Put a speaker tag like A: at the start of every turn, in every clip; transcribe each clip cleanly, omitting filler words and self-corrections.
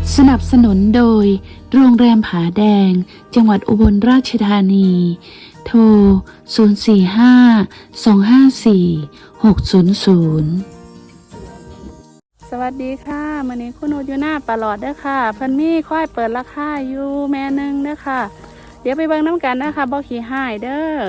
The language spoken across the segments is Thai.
A: สนับสนุนโดยโรงแรมผาแดงจังหวัดอุบลราชธานี โทร 045-254-600
B: สวัสดีค่ะมื้อนี้คุณโออยู่หน้าปลอดเด้อค่ะเพิ่นมีค่อยเปิดราคาอยู่แม่นึงเด้อค่ะ เดี๋ยวไปเบิ่งน้ำกันนะคะบ่ขี้หายเด้อ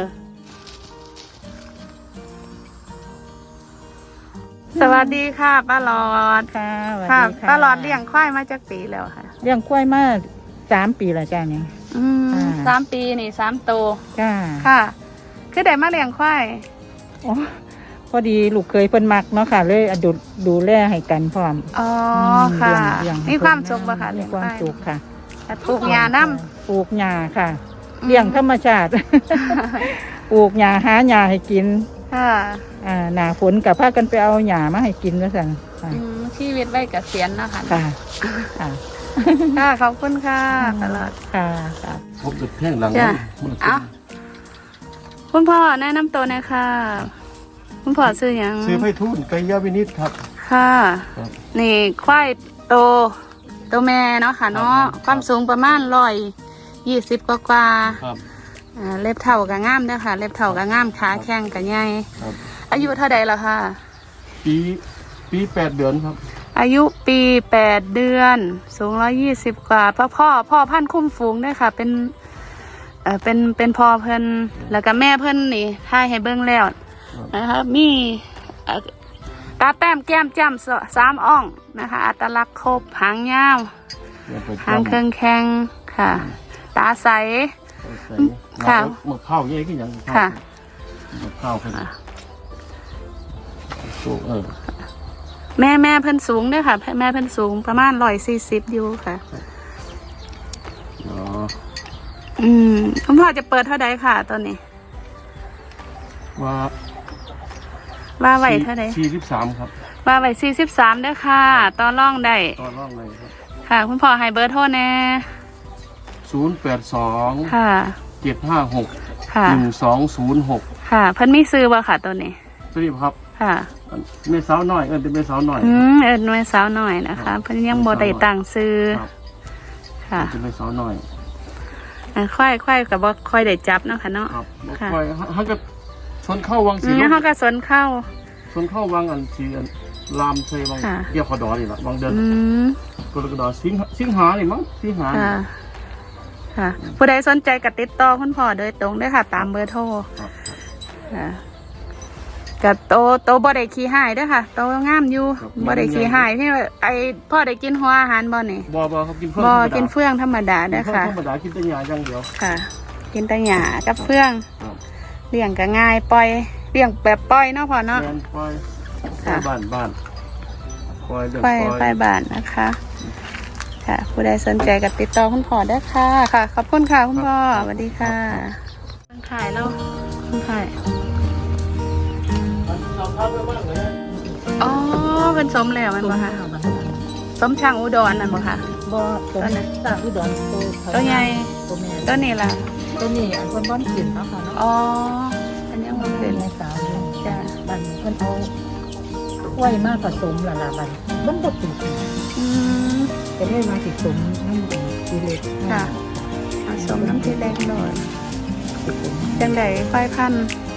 B: สวัสดีค่ะป้าหลอด
C: ค่ะสวัส
B: ค่ะ
C: ดีค่ะ
B: ป้าหลอดเลี้ยงควายมาจากปีแล้วค่ะ
C: เลี้ยงกล้วยมา3 ปีแล้วจ้าเนี่ย อ่า
B: 3 ปีนี่3 โตว
C: จ้า
B: ค่ะ คือได้มาเลี้ยงควาย
C: โอ้พอดีลูกเคยเพิ่นมักเนาะค่ะเลยดูแลให้กันพร้อม
B: อ๋อค่ะ
C: เลี้ยง
B: มีความสุขป่ะคะ
C: มี
B: เลี้ยง
C: ความ
B: ควาย
C: สุขค่ะ
B: ปลูกหญ้าน้
C: ปลูกหญ้าค่ะ
B: ำ
C: เลี้ยงธรรมชาติ ปลูกหญ้าหาหญ้าให้กิน
B: ค่ะ
C: หน้าฝนกับพากันไปเอาหญ้ามาให้กินว่าซั่นค่ะ
B: ชีวิตไว้เกษียณเนาะค่ะ
C: ค่ะค่ะ
B: ค่ะขอบคุณค่ะตลอด
C: ค่ะค่ะ
D: พบจุดแท่งหลัง
B: จ้ะ
D: มัน
B: เอาคุณพ่อแนะนำตัวหน่อยค่ะ คุณพ่อชื่อหยัง
D: ซื้อไผ่ทุ่นไก่ยาวินิตครับ
B: ค่ะ
D: ครับ
B: นี่ควายโตตัวแม่เนาะค่ะเนาะ
D: ครับ
B: ความสูงประมาณ120กว่า
D: ครับ
B: เล็บเท่ากับง่ามเด้อค่ะ เล็บเท่ากับง่ามขาแข้งกับใหญ่
D: ครับ
B: อายุเท่าใดแล้วค่ะ
D: ปี8 เดือนครับ
B: อายุปี8 เดือน สูง120กว่าพ่อพันธุ์คุ้มฝูงด้วยค่ะ เป็นพ่อเพิ่นแล้วก็แม่เพิ่นนี่ถ่ายให้เบิ่งแล้วนะคะมีตาแต้มแก้มจ้ำ3 อ่องนะคะ อัตลักษณ์ครบหางยาวหางเครื่องแข็งค่ะ ตาใส ค่ะ
D: มะพร้าวเยอะขึ้นยัง
B: ค่ะ
D: มะพร้าวขึ้นสูง
B: แม่เพิ่นสูงด้วยค่ะ แม่เพิ่นสูงประมาณ140อยู่ค่ะ
D: อ๋อ
B: คุณพ่อจะเปิดเท่าใดค่ะตอนนี้
D: ว่า
B: ว่าไหวเท่าใด
D: 43ครับ
B: ว่าไหว43ด้วยค่ะต่อรองได้
D: ตอนร่องเลยครับ
B: ค่ะ คุณพ่อให้เบอร์โทรแน่
D: 082
B: ค่ะ
D: 756
B: ค่ะ
D: 1206
B: ค่ะ เพิ่นมีซื้อบ่ค่ะตัวนี้
D: สวัสดีครับ
B: ค่ะ
D: แม่สาวหน่อยเป็นแม่สาวหน่อย
B: เอิ้นหน่วยสาวหน่อยนะคะ เพิ่นยังบ่ได้ตั้งซื้อ
D: ครับ
B: ค่ะ
D: เป็นแม่สาวหน่อย
B: ค่อยกับบ่ค่อยได้จับเนาะค่ะเนาะ
D: ครับ
B: ค่ะ
D: คอยฮักก็ชนเข้าวังสี
B: เฮาก็สนเข้า
D: ชนเข้าวังอันสีอันลามเชยวัง
B: ค่ะ
D: เกี่ยวขอดอนี่แหละวังเดิน
B: อืม
D: กรกฎาสิงหานี่มั้งสิงหานี่
B: ค่ะ ค่ะ ผู้ใดสนใจก็ติดต่อคุณพ่อโดยตรงได้ค่ะ ตามเบอร์โทร
D: ครับ
B: ค่ะกับโตบ่ได้ขี้หายเด้วยค่ะ โตงามอยู่บ่ได้ขี้หายที่ว่าไอพ่อได้กินหัวอาหารบ่นี่
D: บ่เขากินเพื่อน
B: บ่
D: ธรรมดา
B: กินเฟื่องธรรมดาเด้อค่ะ
D: ธรรมดากินแต่ยาอย่างเดียว
B: ค่ะ กินแต่หญ้ากับเฟื่อง
D: ครับ
B: เลี้ยงก็ง่ายปล่อยเลี้ยงแบบปล่อยเนาะพ่อเนาะ
D: แมนปล่อย
B: ค่ะ
D: บ้านปล่อยเรื่อง
B: ปล่อย
D: ปล่อย
B: ปล่อยบ้านนะคะ ค่ะ ผู้ใดสนใจก็ติดต่อคุณพ่อได้ค่ะ ค่ะ ขอบคุณค่ะคุณพ่อสวัสดีค่ะขายแล้วขายอ๋อเป็นสมแล้วมันบ่คะสมช่างอุดรนั่นบ่คะ
C: บ่ตัวนี้สร้างอุดร
B: ตัวใหญ่
C: ตัวแม่
B: ตัวนี้ล่ะ
C: ตัวนี้อันเพิ่นบ่กินเนาะค่ะเนาะ
B: อ๋ออันนี้มัน
C: เป็
B: เป็น น
C: แม่สาวอยู่
B: จ้ะ
C: บัดเพิ่นเอากล้วยมาผสมละบัดมันบ่ติด
B: อืม
C: ก็เลยมาสิสมน้ำทีเล็ก
B: ค่ะผสมน้ำที่เล็กหน่อย
C: สิสม
B: จังไดค่อยพันธุ์
C: ก